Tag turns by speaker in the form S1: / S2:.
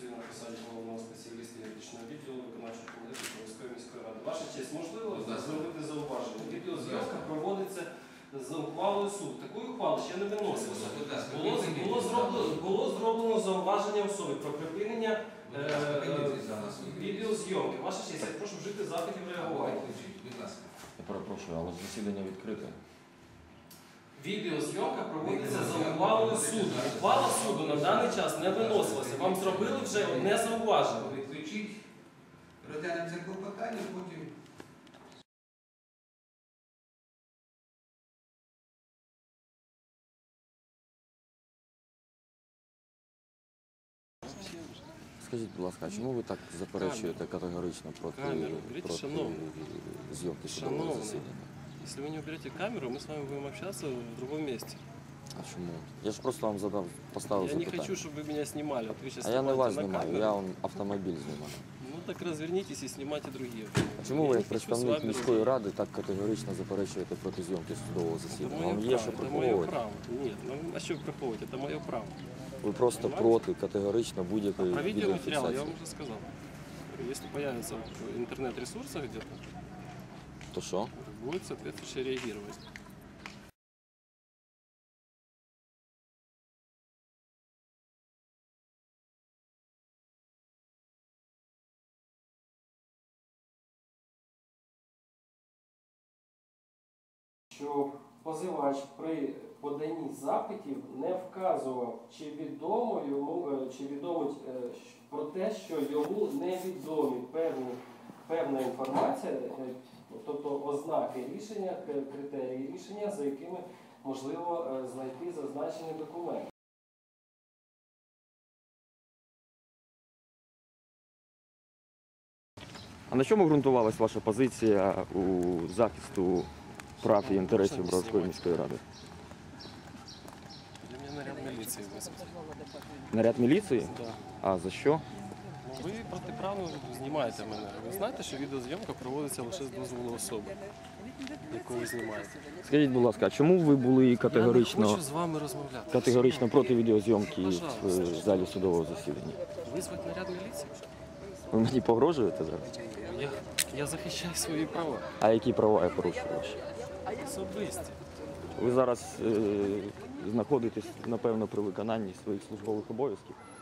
S1: працюю на посаді головного спеціаліста юридичного відділу виконавчого комітету Полтавської міської ради. Ваша честь, можливо зробити зауваження? Відеозйомка проводиться за ухвалою суду. Такої ухвали ще не виносилося. Було зроблено зауваження особи про припинення відеозйомки. Ваша честь, я прошу вжити заходів реагування.
S2: Я перепрошую, але засідання відкрите.
S1: Відеозйомка проводиться за ухвалою суду. Ухвала суду на даний час не виносилася. Вам зробили вже одне зауваження.
S3: Відключіть, розглянемо це клопотання, потім...
S2: Скажіть, будь ласка, а чому ви так заперечуєте категорично проти зйомки судового засідання?
S1: Если вы не уберете камеру, мы с вами будем общаться в другом месте.
S2: А чому? Я ж просто вам поставив
S1: Я не
S2: запитання.
S1: хочу, чтобы вы меня снимали. Вот вы сейчас
S2: А я не вас
S1: снимаете на
S2: знімаю,
S1: камеру.
S2: я автомобіль знімаю.
S1: Ну так развернитесь и снимайте другие.
S2: А чому ви,
S1: Я
S2: як
S1: не хочу с
S2: представник
S1: вами
S2: міської ради, так категорично заперечуєте проти зйомки судового
S1: Это
S2: засідання?
S1: мое
S2: Вам є
S1: право,
S2: що
S1: это мое
S2: приховувати?
S1: право. Нет, ну а что приховывать? Это мое право.
S2: Ви просто проти категорично будь-якої
S1: Про видеоматериал я
S2: відеофіксації.
S1: вам уже сказал. Если появится в интернет-ресурсах где-то,
S2: То що?
S1: будет соответствующе реагировать. Що позивач при поданні запитів не вказував, чи відомо йому, чи відомо про те, що йому невідомі певна інформація, тобто ознаки рішення, критерії рішення, за якими можливо знайти зазначений документ.
S2: А на чому ґрунтувалась ваша позиція у захисту прав і інтересів Броварської міської ради?
S1: Для мене наряд міліції визвати.
S2: Наряд міліції?
S1: Да.
S2: А за що?
S1: Ви протиправно знімаєте мене. Ви знаєте, що відеозйомка проводиться лише з дозволу особи, яку ви знімаєте.
S2: Скажіть, будь ласка, а чому ви були
S1: Я не
S2: категорично
S1: хочу з вами розмовляти.
S2: проти відеозйомки
S1: Пожалуйста.
S2: в залі судового засідання?
S1: Визвати наряд міліції?
S2: Ви мені погрожуєте зараз?
S1: Я захищаю свої права.
S2: А які права я порушую ваші?
S1: Особисті.
S2: Ви зараз знаходитесь, напевно, при виконанні своїх службових обов'язків.